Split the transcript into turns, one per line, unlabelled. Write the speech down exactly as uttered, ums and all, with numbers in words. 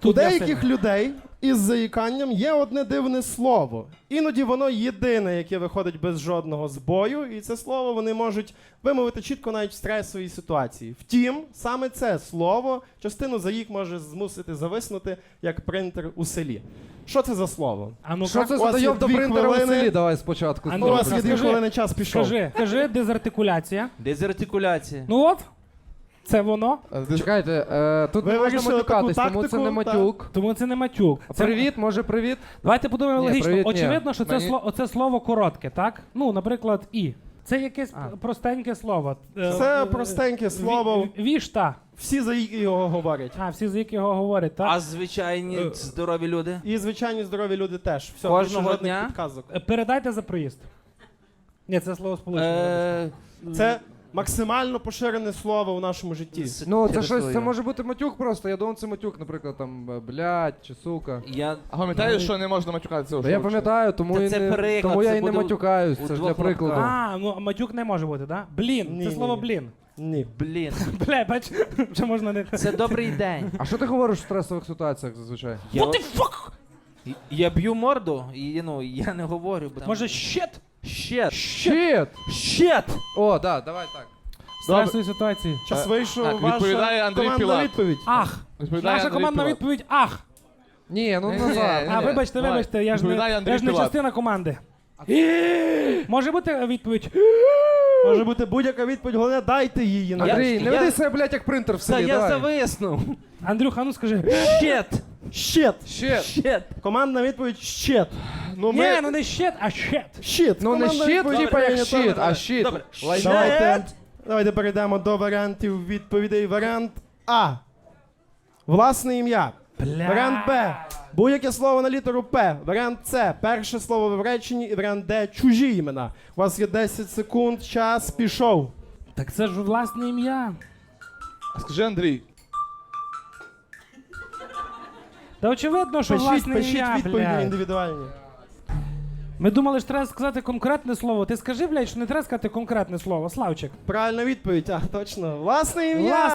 У
для
деяких
сина.
людей із заїканням є одне дивне слово. Іноді воно єдине, яке виходить без жодного збою, і це слово вони можуть вимовити чітко навіть в стресовій ситуації. Втім, саме це слово частину заїк може змусити зависнути, як принтер у селі. Що це за слово?
А ну
Що це
у
за
вас є
дойоб до
дві
принтера у
хвилини.
селі? Давай спочатку.
У
Андрій,
вас є дві
скажи-
хвилини, час пішов.
Скажи, скажи, дезартикуляція.
Дезартикуляція.
Ну от, це воно.
Чекайте, е, тут
Ви
не можна
вирішили
матюкатись,
таку
тому це
тактику,
не матюк.
Тому це не матюк. Це...
Привіт, може привіт?
Давайте подумаємо
Ні,
логічно.
привіт, ні.
Очевидно, що це,
Мені-
слово, оце слово коротке, так? Ну, наприклад, і. Це якесь
А.
простеньке слово. Е,
Це
е,
простеньке слово.
ві- Вішта.
Всі заїки його говорять.
А, всі з якого говорять, так?
А звичайні
Е.
здорові люди?
І звичайні здорові люди теж. Все,
Кожного
більше жодних
дня?
підказок.
Е, Передайте за проїзд. Ні, це слово сполучення.
Е,
Це максимально поширене слово у нашому житті.
Ну, це
через
щось, це
свою.
може бути матюк просто. Я думав, це матюк, наприклад, там, е, блядь, чи сука.
Я...
А пам'ятаєш, що не можна матюкатися?
Та я пам'ятаю, тому,
Та
і
це
не,
приклад,
тому я
це
і не
буде
матюкаюсь,
у
це ж
двох
для прикладу.
лапках.
А, ну матюк не може бути, так? Блін,
Ні,
це
ні,
слово
ні.
блін.
Ні.
Блін,
Бля, бач, що можна не...
це добрий день.
А що ти говориш в стресових ситуаціях зазвичай?
Я... What the fuck? Я б'ю морду, і ну, я не говорю. Бо там...
Може, щет?
Щет.
Щит!
Щет!
О, да, давай так.
Стресові ситуації.
Час
Е,
вийшов,
так,
ваша
відповідає Андрій
командна
Пілат.
відповідь.
Ах!
Відповідає
Наша
Андрій
командна
Пілат.
відповідь ах!
Ні, ну
Ні,
назад.
ні,
А,
ні.
вибачте,
Давай.
вибачте, я ж не,
Відповідає Андрій
я ж не
Пілат.
частина команди. Може бути відповідь?
Може бути будь-яка відповідь, головне дайте її.
Я-
Андрій, не
я-
веди себе, блядь, як принтер в
Та
селі,
я
давай.
зависнув.
Андрюха, ну скажи.
Щет!
Щит.
Щит.
Щет!
Командна відповідь щит.
Ну,
Ні,
ми...
ну не щет, а щет.
Щит.
Ну не
Командна
щит,
відповідь
типа як
прийнята.
щит, а щит.
Добре.
Лайно.
Давайте, давайте перейдемо до варіантів відповідей. Варіант А. Власне ім'я.
Бля.
Варіант Б. Будь-яке слово на літеру П. Варіант С. Перше слово в реченні. І варіант Д. Чужі імена. У вас є десять секунд. Час пішов.
Так це ж власне ім'я.
Скажи, Андрій,
Та очевидно, що
Пишіть,
власне
пишіть
ім'я,
відповіді
блядь.
індивідуальні.
Ми думали, що треба сказати конкретне слово. Ти скажи, блядь, що не треба сказати конкретне слово, Славчик.
Правильна відповідь. А, точно. Власне ім'я.
Власне